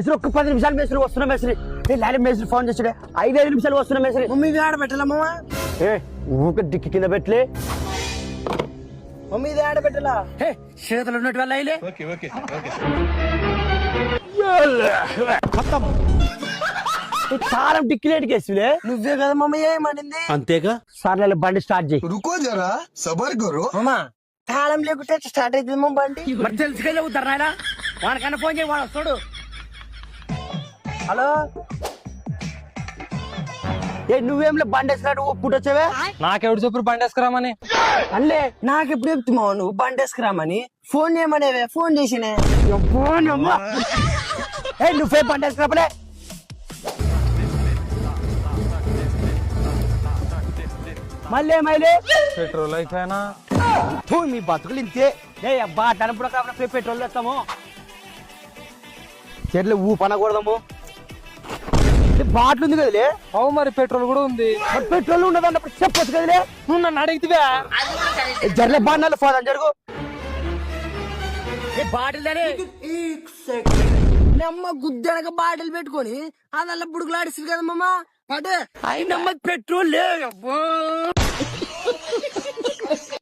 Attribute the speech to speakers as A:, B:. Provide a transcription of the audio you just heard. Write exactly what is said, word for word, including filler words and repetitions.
A: మేస్త్రి ఒక్క పది నిమిషాలు మేస్త్రి వస్తున్నా మేస్త్రి. లాలి మేస్త్రి ఫోన్ చేసాడే ఐదు ఐదు నిమిషాలు వస్తున్నా మేస్త్రి.
B: మమ్మీ ఆడ పెట్టాలమ్మా.
A: ఏ ఊక డిక్కి కింద పెట్టలే
B: మమ్మీ ఇది ఆడ పెట్టాలా?
A: చేతులు ఉన్నట్టు వల్ల అయిలే కారం డిక్కిలేటికి వేసిలే.
B: నువ్వే కదా మమ్మీ ఏమనింది?
A: అంతేగా సార్ బండి స్టార్ట్ చేయి.
C: रुको जरा सबर करो
B: అమ్మా తాళం లేకుంటే స్టార్ట్ అవుతుంది మా బండి.
A: మరి తెలుసుకెళ్ళి అవుతారు నాయన. వాడికన్నా ఫోన్ చేయి, వాడు వస్తాడు.
B: హలో
A: ఏ నువ్వేంలే బండి వేసినట్టు పుట్టి వచ్చావే.
D: నాకెవడు చెప్పు బండి వేసుకురామని?
B: అల్లే నాకు ఎప్పుడు చెప్తున్నావు నువ్వు బండి వేసుకురామని? Phone చేయమనేవే phone చేసినే.
A: ఏ నువ్వే బండి వేసుకురాపలే. మళ్ళీ ఏమైలే
D: పెట్రోల్ అయిపోయినా
A: మీ బతుకులు ఇంతే. ఏ అబ్బా టనప్పుడు కాబట్టి పెట్రోల్ తెస్తాము, చెట్లు ఊ పనకూడదాము. బాటిల్ ఉంది కదలే.
D: అవు మరి పెట్రోల్ కూడా ఉంది.
A: మరి పెట్రోల్ ఉండదు అన్నప్పుడు చెప్పొచ్చు కదలే.
D: నువ్వు నన్ను అడిగితే
A: జర్లే బాగా ఫోన్ జరుగు. బాటిల్
B: అమ్మ గుద్దనక బాటిల్ పెట్టుకొని అదల్లా బుడుకులాడిస్తుంది కదా మమ్మ. అదే
A: అయినమ్మ పెట్రోల్ లే.